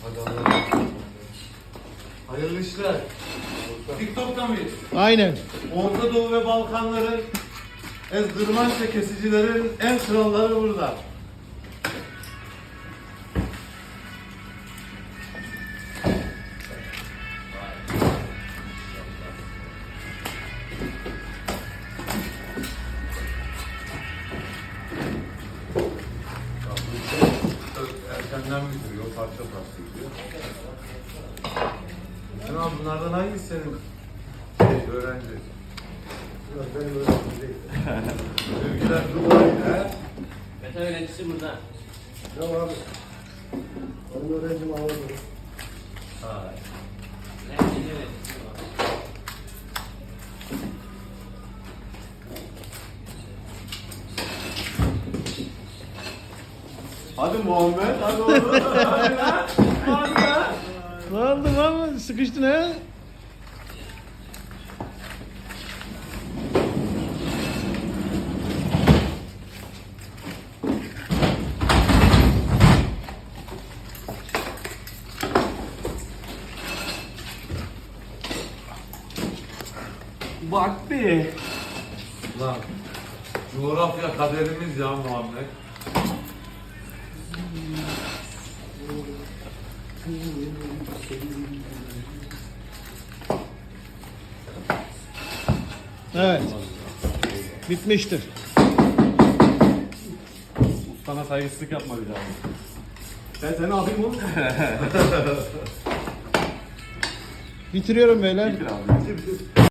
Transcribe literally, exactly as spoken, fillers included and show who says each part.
Speaker 1: Hadi Allah'ım. Hayırlı işler. TikTok'ta mıyız?
Speaker 2: Aynen.
Speaker 1: Orta Doğu ve Balkanların ezdırmanç ve kesicilerin en kralları burada. Erkenden bitiriyor, parça parça gidiyor. Sen abi bunlardan hangisi senin şey, öğrenci?
Speaker 3: Benim öğrencim değil.
Speaker 1: Sevgiler Dubai, he?
Speaker 4: Meta öğrencisi burada.
Speaker 3: Ya abi. Benim öğrencim Ağır'da.
Speaker 1: Ha.
Speaker 4: Nerede öğrencisi var?
Speaker 1: Hadi Muhammed, hadi oğlum. Hadi lan. Hadi lan.
Speaker 2: Ne oldu lan? Sıkıştın ha?
Speaker 4: Bak be.
Speaker 1: Lan. Coğrafya kaderimiz ya Muhammed.
Speaker 2: Evet. Bitmiştir.
Speaker 1: Ustana saygısızlık yapma bir daha.
Speaker 3: Ben seni alayım oğlum.
Speaker 2: Bitiriyorum beyler.
Speaker 1: Bitir abi.
Speaker 3: Bitir bitir.